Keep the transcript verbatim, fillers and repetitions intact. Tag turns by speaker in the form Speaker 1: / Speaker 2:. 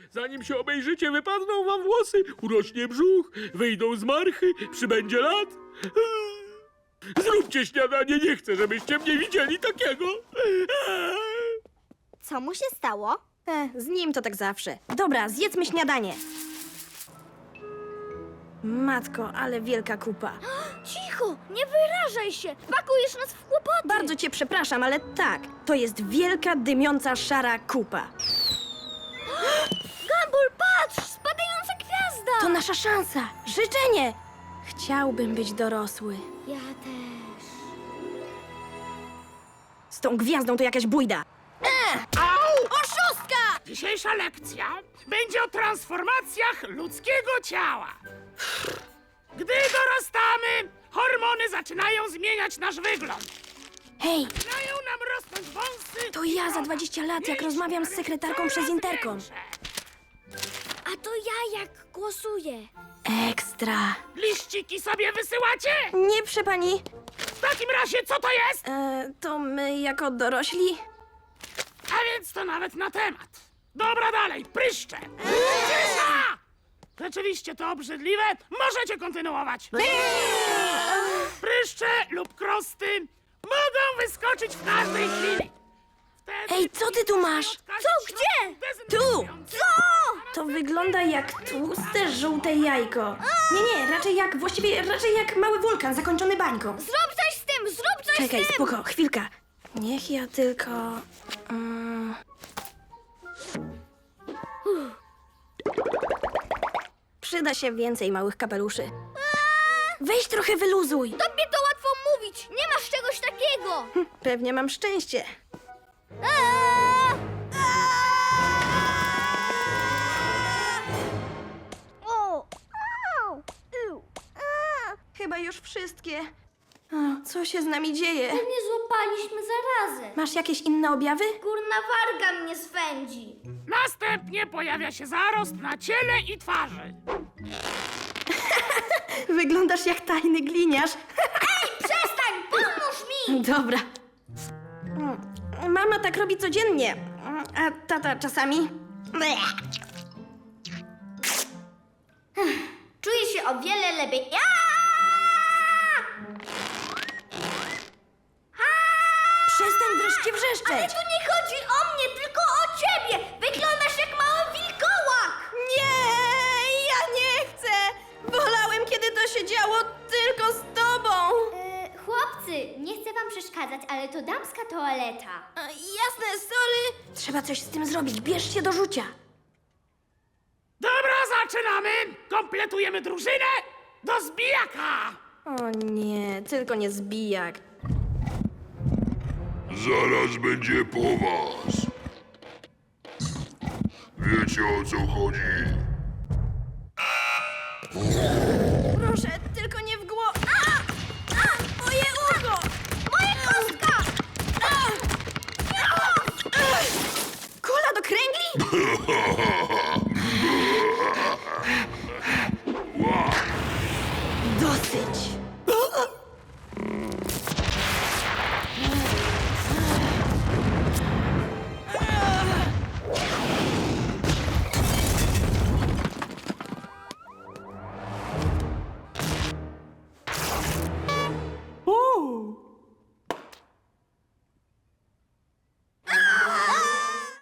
Speaker 1: Zanim się obejrzycie, wypadną wam włosy, urośnie brzuch, wyjdą z marchy, przybędzie lat. Zróbcie śniadanie, nie chcę, żebyście mnie widzieli takiego.
Speaker 2: Co mu się stało?
Speaker 3: E, z nim to tak zawsze. Dobra, zjedzmy śniadanie. Matko, ale wielka kupa.
Speaker 2: Cicho, nie wyrażaj się. Pakujesz nas w kłopoty.
Speaker 3: Bardzo cię przepraszam, ale tak, to jest wielka, dymiąca, szara kupa.
Speaker 2: Gumball, patrz, spadająca gwiazda.
Speaker 3: To nasza szansa, życzenie. Chciałbym być dorosły.
Speaker 2: Ja też.
Speaker 3: Z tą gwiazdą to jakaś bójda.
Speaker 4: Au!
Speaker 3: Oszustka!
Speaker 4: Dzisiejsza lekcja będzie o transformacjach ludzkiego ciała. Gdy dorastamy, hormony zaczynają zmieniać nasz wygląd.
Speaker 3: Hej,
Speaker 4: Zaczynają nam rosnąć wąsy.
Speaker 3: to ja za dwadzieścia lat, jak rozmawiam z sekretarką przez interkom.
Speaker 2: A to ja jak głosuję.
Speaker 3: Ekstra.
Speaker 4: Liściki sobie wysyłacie?
Speaker 3: Nie, prze pani.
Speaker 4: W takim razie co to jest?
Speaker 3: E, to my jako dorośli?
Speaker 4: A więc to nawet na temat. Dobra, dalej, pryszcze. Cisza! Rzeczywiście to obrzydliwe. Możecie kontynuować. Pryszcze lub krosty mogą wyskoczyć w każdej chwili. Wtedy
Speaker 3: Ej, co ty tu masz?
Speaker 4: Co?
Speaker 2: Gdzie?
Speaker 3: Tu! To wygląda jak tłuste, żółte jajko. Nie, nie, raczej jak, właściwie raczej jak mały wulkan zakończony bańką.
Speaker 2: Zrób coś z tym, zrób coś
Speaker 3: Czekaj,
Speaker 2: z tym.
Speaker 3: spoko, chwilka. Niech ja tylko... Mm... Przyda się więcej małych kapeluszy. Weź trochę wyluzuj.
Speaker 2: Tobie to łatwo mówić. Nie masz czegoś takiego.
Speaker 3: Pewnie mam szczęście.
Speaker 2: Aaa! O! Au! Iu! A!
Speaker 3: Chyba już wszystkie. O, co się z nami dzieje?
Speaker 2: Nie złapaliśmy zarazy.
Speaker 3: Masz jakieś inne objawy?
Speaker 2: Górna warga mnie swędzi.
Speaker 4: Następnie pojawia się zarost na ciele i twarzy.
Speaker 3: Wyglądasz jak tajny gliniarz.
Speaker 2: Przestań, pomóż mi!
Speaker 3: Dobra. Mm, Mama tak robi codziennie, Mm, a tata czasami. Bleh.
Speaker 2: Czuję się o wiele lepiej. Ja!
Speaker 3: Przestań wreszcie
Speaker 2: Ale
Speaker 3: wrzeszczeć.
Speaker 2: tu nie chodzi o mnie, tylko o ciebie! Wyglądasz jak mały wilkołak!
Speaker 3: Nie, ja nie chcę. Wolałem, kiedy to się działo tylko z tobą.
Speaker 2: E, chłopcy, nie chcę wam przeszkadzać, ale to damska toaleta.
Speaker 3: E, Jasne, sorry. Trzeba coś z tym zrobić. Bierz się do rzucia.
Speaker 4: Dobra, zaczynamy. Kompletujemy drużynę do zbijaka.
Speaker 3: O nie, tylko nie zbijak.
Speaker 5: Zaraz będzie po was. Wiecie, o co chodzi?